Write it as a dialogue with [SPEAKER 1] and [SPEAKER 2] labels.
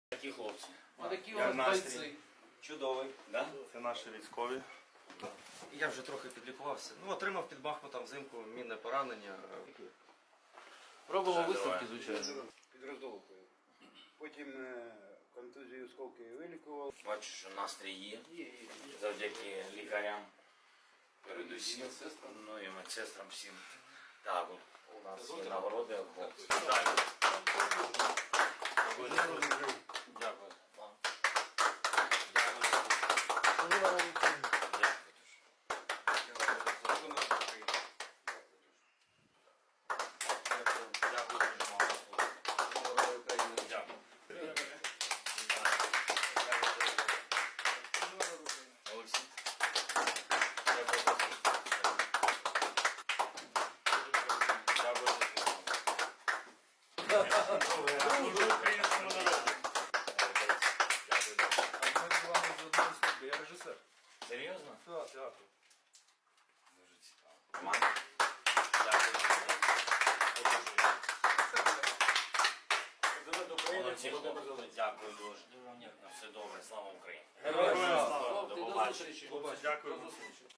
[SPEAKER 1] Такі хлопці.
[SPEAKER 2] Отакі
[SPEAKER 1] Як
[SPEAKER 2] от
[SPEAKER 1] настрій?
[SPEAKER 2] бойці.
[SPEAKER 1] Чудовий, да?
[SPEAKER 3] Це наші військові.
[SPEAKER 4] Я вже трохи підлікувався. Ну, отримав під Бахмутом взимку мінне поранення.
[SPEAKER 2] Робимо висновки, звичайно.
[SPEAKER 5] Під Роздолкою. Потім контузію осколки вилікував.
[SPEAKER 1] Бачу, що настрій є. Завдяки лікарям. Передусім. Ну і медсестрам всім. Так, от у нас є нагороди від хлопців. Дякую. Дякую. Вам. Дякую. Олексій.
[SPEAKER 3] Я режисер.
[SPEAKER 1] Серйозно?
[SPEAKER 3] Так, театр.
[SPEAKER 1] Дуже цікаво. Роман? Дякую. Молодці, хлопці. Дякую дуже. Все добре, слава Україні.
[SPEAKER 2] Героям слава.
[SPEAKER 1] До
[SPEAKER 2] До
[SPEAKER 1] побачення.
[SPEAKER 2] зустрічі.
[SPEAKER 3] Дякую.